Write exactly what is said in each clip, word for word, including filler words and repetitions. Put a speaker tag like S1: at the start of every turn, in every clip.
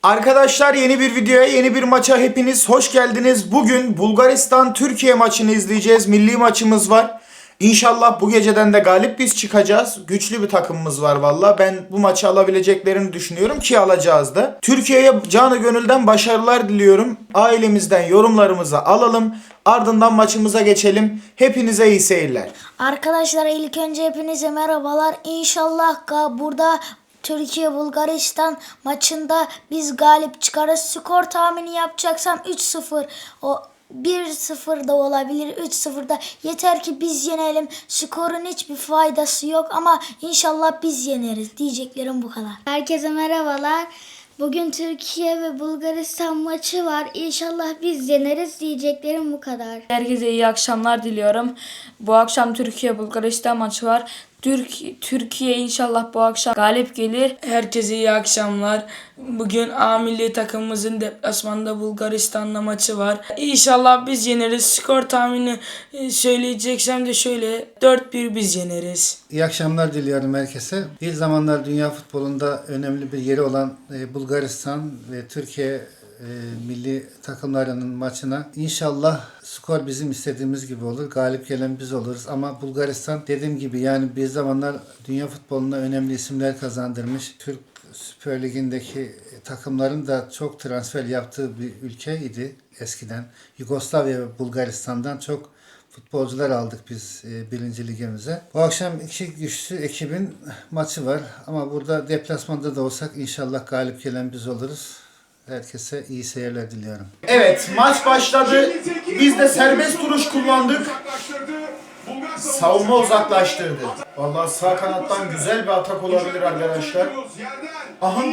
S1: Arkadaşlar yeni bir videoya, yeni bir maça hepiniz hoş geldiniz. Bugün Bulgaristan-Türkiye maçını izleyeceğiz. Milli maçımız var. İnşallah bu geceden de galip biz çıkacağız. Güçlü bir takımımız var valla. Ben bu maçı alabileceklerini düşünüyorum ki alacağız da. Türkiye'ye canı gönülden başarılar diliyorum. Ailemizden yorumlarımızı alalım. Ardından maçımıza geçelim. Hepinize iyi seyirler.
S2: Arkadaşlar ilk önce hepinize merhabalar. İnşallah burada Türkiye Bulgaristan maçında biz galip çıkarız. Skor tahmini yapacaksam üç sıfır. O bir sıfır da olabilir, üç sıfır da. Yeter ki biz yenelim. Skorun hiçbir faydası yok ama inşallah biz yeneriz. Diyeceklerim bu kadar. Herkese merhabalar. Bugün Türkiye ve Bulgaristan maçı var. İnşallah biz yeneriz. Diyeceklerim bu kadar.
S3: Herkese iyi akşamlar diliyorum. Bu akşam Türkiye Bulgaristan maçı var. Türk Türkiye inşallah bu akşam galip gelir.
S4: Herkese iyi akşamlar. Bugün A milli takımımızın deplasmanda Bulgaristan'la maçı var. İnşallah biz yeneriz. Skor tahmini söyleyeceksem de şöyle dört bir biz yeneriz.
S5: İyi akşamlar diliyorum herkese. Bir zamanlar dünya futbolunda önemli bir yeri olan e, Bulgaristan ve Türkiye e, milli takımlarının maçına inşallah skor bizim istediğimiz gibi olur. Galip gelen biz oluruz. Ama Bulgaristan dediğim gibi yani bir zamanlar dünya futboluna önemli isimler kazandırmış. Türk Süper Ligi'ndeki takımların da çok transfer yaptığı bir ülkeydi eskiden. Yugoslavya ve Bulgaristan'dan çok futbolcular aldık biz e, birinci ligimize. Bu akşam iki güçlü ekibin maçı var. Ama burada deplasmanda da olsak inşallah galip gelen biz oluruz. Herkese iyi seyirler diliyorum.
S1: Evet, maç başladı. Biz de serbest duruş kullandık. Savunma uzaklaştırdı. Vallahi sağ kanattan güzel bir atak olabilir arkadaşlar. Aha.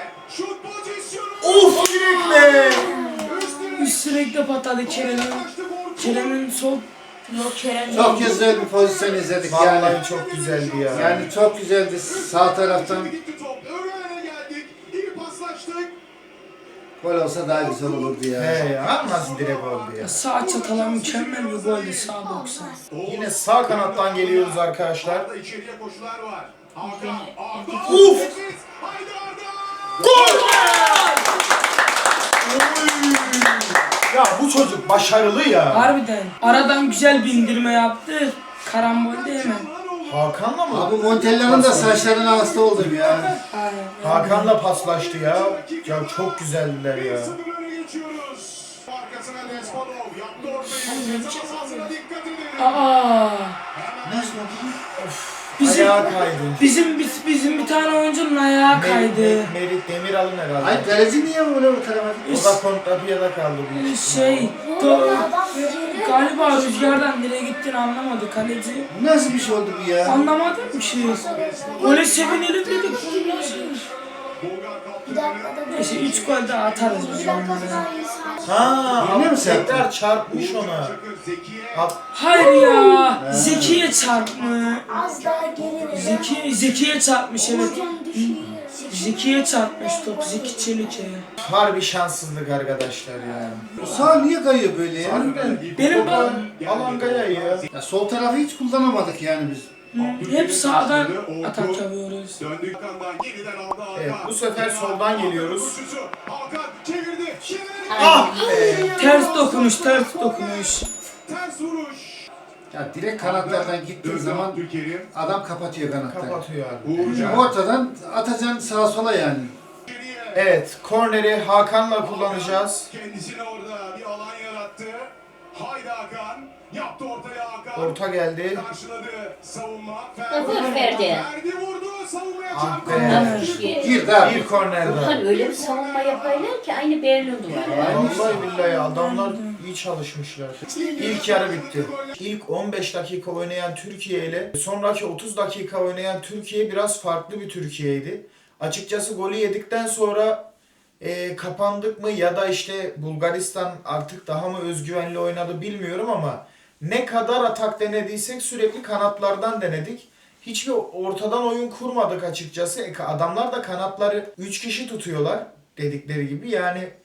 S1: Of, direkle.
S4: Üst direkte patladı Kerem'in. Kerem'in sol
S3: Yok Kerem.
S5: Çok güzel bir pozisyon izledik
S1: Vallahi
S5: yani.
S1: çok güzeldi ya.
S5: Yani çok güzeldi sağ taraftan. Gol olsa daha güzel olurdu ya.
S1: He ya, nasıl direkt oldu ya.
S4: sağ çatala mükemmel bir goldü, sağ doksan.
S1: Yine sağ kanattan geliyoruz arkadaşlar.
S3: Uf!
S1: Gol! Oy! Ya bu çocuk başarılı ya.
S4: Harbiden. Aradan güzel bir indirme yaptı. Karambol de hemen.
S1: Hakan'la mı?
S5: Abi Montella'nın da saçlarına hasta oldum ya.
S1: Hakan'la paslaştı ya. Ya çok güzeldiler ya.
S4: Aa.
S5: Nasıl oldu?
S4: Bizim
S1: Ayağa kaydı.
S4: bizim biz- bizim bir tane oyuncunun ayağı kaydı.
S1: Mer- Merit Demiral'ın herhalde.
S5: Ay kaleci niye böyle bu tarafa?
S1: O da kontrapiyada kaldı. büyük ihtimalle.
S4: Şey, do, galiba rüzgardan nereye gittiğini anlamadı kaleci.
S5: Nasıl bir şey oldu bu ya?
S4: Anlamadım ki. Öyle sevinelim dedik. Bu nasıl?
S2: Bir dakika da
S4: Neyse üç gol daha atarız biz onlara.
S1: Ha,
S5: Yine mi
S1: ama
S5: sen?
S1: tekrar çarpmış ona. At-
S4: Hayır ya. Zekiye çarpmış.
S2: az daha geri
S4: Zeki, Zekiye çarpmış evet.
S2: düşüyor.
S4: Zekiye çarpmış top. Zeki Çelik'e.
S1: Harbi şanssızlık arkadaşlar ya.
S5: Bu sağ niye kayıyor böyle ya?
S1: Harbiden.
S4: Benim
S1: Topa Alanga'ya ya.
S5: Ya sol tarafı hiç kullanamadık yani biz.
S4: hep sağdan atak yapıyoruz.
S1: Evet, bu sefer soldan geliyoruz. Ah be.
S4: Ters dokunuş, ters dokunuş.
S5: Ya direkt kanatlardan gittiğin zaman adam kapatıyor kanatları.
S1: Kapatıyor abi.
S5: Ortadan atacaksın sağa sola yani.
S1: Evet, korneri Hakan'la kullanacağız.
S6: Kendisine orada bir alan yarattı. Haydi Hakan. Yaptı ortaya Hakan.
S1: Orta geldi.
S6: Karşıladı savunma.
S7: Öbür verdi.
S6: Verdi vurdu. Savunmaya
S1: Ah
S6: çarptı.
S1: be.
S5: Girdi abi.
S1: Bir kornerde.
S7: Ulan öyle bir savunma yaparlar ki aynı Berlin duvarı.
S1: Vallahi billahi adamlar iyi çalışmışlar. İlk yarı bitti. İlk on beş dakika oynayan Türkiye ile sonraki otuz dakika oynayan Türkiye biraz farklı bir Türkiye'ydi. Açıkçası golü yedikten sonra e, kapandık mı ya da işte Bulgaristan artık daha mı özgüvenli oynadı bilmiyorum ama ne kadar atak denediysek sürekli kanatlardan denedik. Hiçbir ortadan oyun kurmadık açıkçası. E, adamlar da kanatları üç kişi tutuyorlar dedikleri gibi. Yani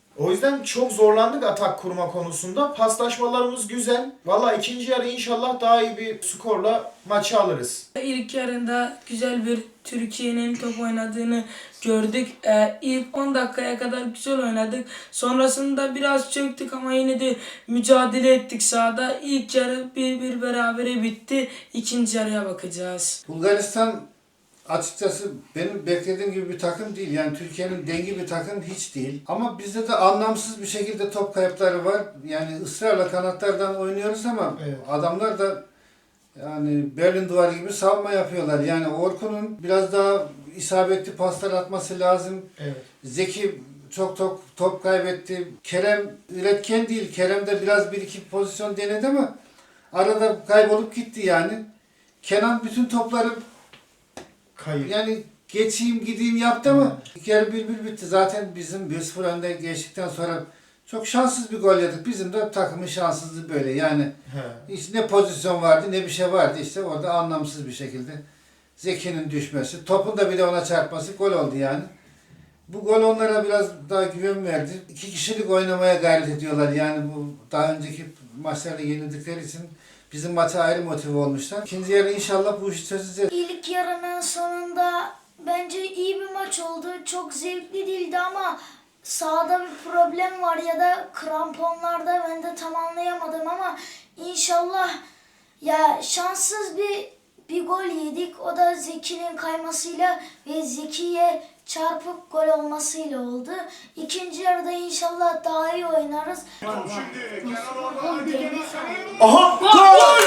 S1: O yüzden çok zorlandık atak kurma konusunda. Paslaşmalarımız güzel. Valla ikinci yarı inşallah daha iyi bir skorla maçı alırız.
S4: İlk yarında güzel bir Türkiye'nin top oynadığını gördük. Ee, ilk on dakikaya kadar güzel oynadık. Sonrasında biraz çöktük ama yine de mücadele ettik sahada. İlk yarı bir bir berabere bitti. İkinci yarıya bakacağız.
S5: Bulgaristan açıkçası benim beklediğim gibi bir takım değil. Yani Türkiye'nin dengi bir takım hiç değil. Ama bizde de anlamsız bir şekilde top kayıpları var. Yani ısrarla kanatlardan oynuyoruz ama
S1: Evet.
S5: adamlar da yani Berlin duvarı gibi savunma yapıyorlar. Yani Orkun'un biraz daha isabetli paslar atması lazım.
S1: Evet.
S5: Zeki çok top, top kaybetti. Kerem üretken değil. Kerem de biraz bir iki pozisyon denedi ama arada kaybolup gitti yani. Kenan bütün topları
S1: Kayıp.
S5: yani geçeyim gideyim yaptı ama ilk yarı bir bir bitti. Zaten bizim bir sıfır önde geçtikten sonra çok şanssız bir gol yedik. Bizim de takımın şanssızlığı böyle yani.
S1: He.
S5: Hiç ne pozisyon vardı ne bir şey vardı işte orada anlamsız bir şekilde. Zeki'nin düşmesi, topun da bir de ona çarpması gol oldu yani. Bu gol onlara biraz daha güven verdi. İki kişilik oynamaya gayret ediyorlar yani bu daha önceki maçlarda yenildikleri için bizim maça ayrı motive olmuşlar. İkinci yarı inşallah bu işi çözeceğiz.
S2: İlk yarının sonunda bence iyi bir maç oldu. Çok zevkli değildi ama sahada bir problem var ya da kramponlarda ben de tam anlayamadım ama inşallah ya şanssız bir bir gol yedik. O da Zeki'nin kaymasıyla ve Zeki'ye çarpıp gol olmasıyla oldu. İkinci yarıda inşallah daha iyi oynarız.
S6: Şimdi Kenan orada haydi Kenan.
S1: Aha! Gol!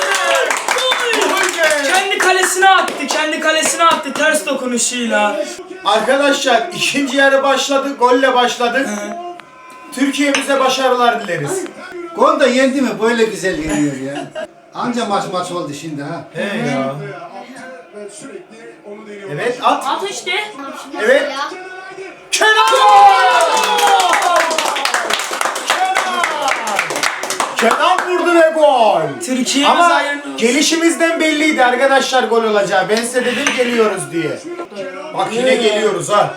S1: Gol be!
S4: Kendi kalesine attı. Kendi kalesine attı ters dokunuşuyla.
S1: Arkadaşlar ikinci yarı başladı. Golle başladık. Türkiye'mize başarılar dileriz.
S5: Gol da yendi mi böyle güzel yeniyor ya. Anca maç maç oldu şimdi ha.
S1: He ya.
S6: Attı ve sürekli onu deniyor.
S1: Evet at.
S7: At işte.
S1: Evet. Kenan! Kenan! Kenan vurdu ve gol.
S4: Türkiye'miz
S1: Ama
S4: hayırlı olsun.
S1: gelişimizden belliydi arkadaşlar gol olacağı. Ben size dedim geliyoruz diye. Bak yine geliyoruz ha.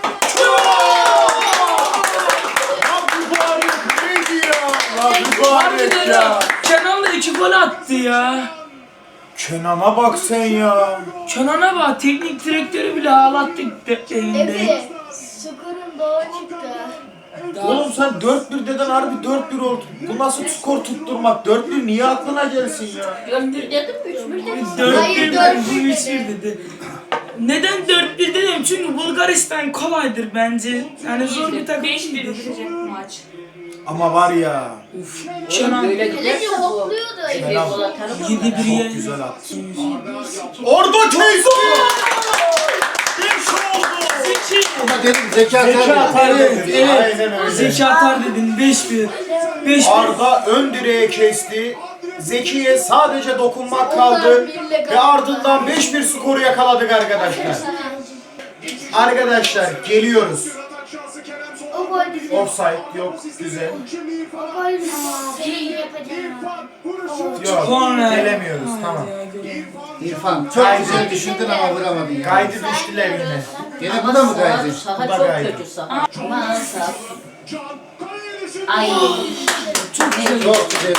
S1: Ya mübarek neydi ya? Ya mübarek
S4: Harbiden
S1: ya.
S4: ya. Kenan da iki gol attı ya.
S1: Kenan'a bak sen ya.
S4: Kenan'a bak teknik direktörü bile ağlattı elinde.
S2: Efe, skorun doğru çıktı.
S1: Oğlum sen dört bir deden harbi dört bir oldu. Bu nasıl skor tutturmak? dört bir niye aklına gelsin ya?
S7: Dört bir dedim mi? Üç bir dedim.
S4: dört
S2: Hayır,
S4: bir
S2: dört
S4: bu
S2: bir
S4: üç bir dedi. Neden dört bir dedim? Çünkü Bulgaristan kolaydır bence. Yani zor bir takım
S3: beş bir
S4: değil.
S3: bitecek maç.
S1: Ama var ya.
S4: Kenan
S7: Böyle
S2: Kaleci
S7: giderse bu.
S2: hopluyordu.
S7: Efe gol atar mı?
S4: yedi bir ye.
S1: Güzel attı. Orada kesti! Beş oldu!
S4: Zeki.
S5: Ama dedim zeka
S1: Zeki atar
S4: Evet,
S1: dedi.
S4: evet.
S1: Aynen öyle.
S4: Zeki atar dedin beş bir. beş bir.
S1: Arda ön direğe kesti. Zeki'ye sadece dokunmak kaldı. Ve ardından beş bir skoru yakaladık arkadaşlar. Arkadaşlar geliyoruz.
S6: Atak şansı Kerem
S2: O
S6: sol.
S2: gol bizim.
S1: Offside yok. Güzel.
S6: Şimdi İrfan.
S2: O gol bizim. Şey yapacağım.
S6: İrfan vuruşu.
S1: Yok.
S4: Korner.
S1: Gelemiyoruz. Tamam.
S5: İrfan çok
S1: Kaydı.
S5: güzel düşündün ama vuramadın ya.
S1: Kaydı düştüler yine.
S5: Gene bu da mı kaydı?
S7: Saha
S1: Bu da
S7: çok
S1: gaydi.
S7: kötü saha. Aman saha.
S6: Can kaleye düşürdü.
S7: Ay.
S5: Çok güzel.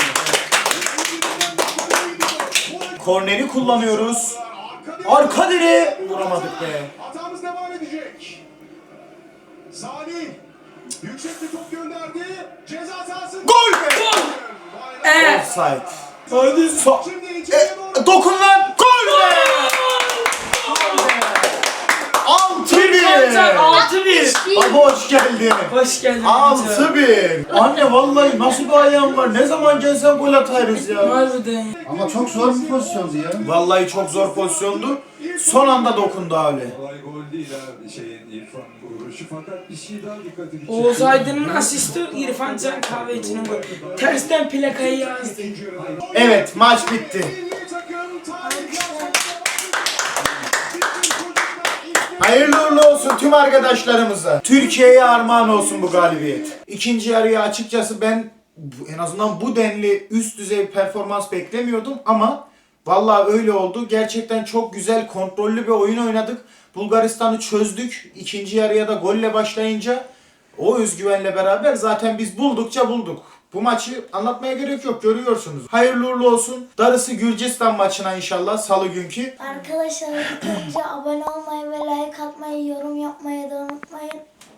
S6: Korneri
S1: Korneri kullanıyoruz. Arka direğe vuramadık be.
S6: Hatamız devam edecek. Salih yüksek bir top gönderdi. Ceza sahasında.
S1: Gol be!
S4: Eee.
S1: Offside.
S4: Hadi.
S1: So
S6: Şimdi içeriye doğru.
S1: e, dokun lan! Gol be! altı bir!
S4: altı bir.
S1: Abi hoş geldin.
S4: Hoş geldin.
S1: altı bir. Anne vallahi nasıl bir ayağın var? Ne zaman gelsen gol atarız ya.
S4: Harbiden.
S5: Ama çok zor bir pozisyondu ya.
S1: Vallahi çok zor pozisyondu. Son anda dokundu abi.
S8: Kolay gol değil abi şeyin İrfan vuruşu fakat bir şey daha dikkatimi çekti.
S4: Oğuz Aydın'ın asisti İrfan Can Kahveci'nin golü. Tersten plakayı yazdı.
S1: Evet maç bitti.
S6: Milli takım tarih
S1: Hayırlı uğurlu olsun tüm arkadaşlarımıza. Türkiye'ye armağan olsun bu galibiyet. İkinci yarıya açıkçası ben bu- en azından bu denli üst düzey bir performans beklemiyordum ama vallahi öyle oldu. Gerçekten çok güzel kontrollü bir oyun oynadık. Bulgaristan'ı çözdük. İkinci yarıya da golle başlayınca O özgüvenle beraber zaten biz buldukça bulduk. Bu maçı anlatmaya gerek yok, görüyorsunuz. Hayırlı uğurlu olsun. Darısı Gürcistan maçına inşallah salı günkü.
S2: Arkadaşlar ilk önce abone olmayı ve like atmayı, yorum yapmayı da unutmayın.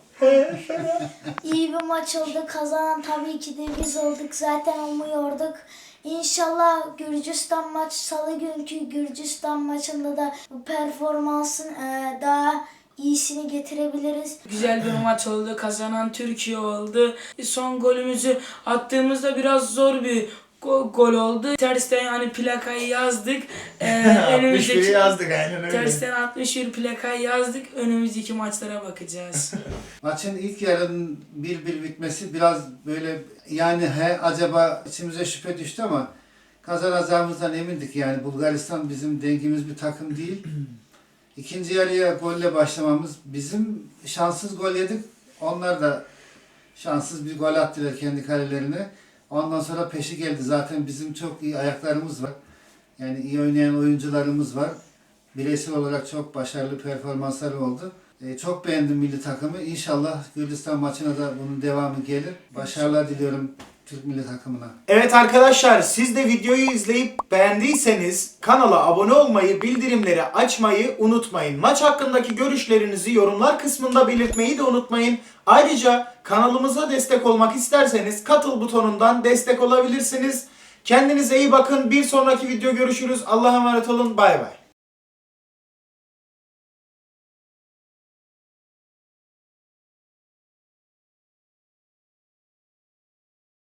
S2: İyi bir maç oldu. Kazanan tabii ki de biz olduk. Zaten umuyorduk. İnşallah Gürcistan maç, salı günkü Gürcistan maçında da bu performansın e, daha iyisini getirebiliriz.
S4: Güzel bir maç oldu. Kazanan Türkiye oldu. Son golümüzü attığımızda biraz zor bir go- gol oldu. Tersten yani plakayı yazdık. Ee,
S1: altmış biri yazdık aynen öyle.
S4: Tersten altmış bir plakayı yazdık. Önümüzdeki maçlara bakacağız.
S5: Maçın ilk yarının bir bir bitmesi biraz böyle yani he acaba içimize şüphe düştü ama kazanacağımızdan emindik yani. Bulgaristan bizim dengimiz bir takım değil. İkinci yarıya golle başlamamız, bizim şanssız gol yedik. Onlar da şanssız bir gol attılar kendi kalelerine. Ondan sonra peşi geldi. Zaten bizim çok iyi ayaklarımız var. Yani iyi oynayan oyuncularımız var. Bireysel olarak çok başarılı performansları oldu. Ee, çok beğendim milli takımı. İnşallah Gürcistan maçına da bunun devamı gelir. Başarılar diliyorum Türk milli takımına.
S1: Evet arkadaşlar, siz de videoyu izleyip beğendiyseniz kanala abone olmayı, bildirimleri açmayı unutmayın. Maç hakkındaki görüşlerinizi yorumlar kısmında belirtmeyi de unutmayın. Ayrıca kanalımıza destek olmak isterseniz katıl butonundan destek olabilirsiniz. Kendinize iyi bakın. Bir sonraki video görüşürüz. Allah'a emanet olun. Bay bay.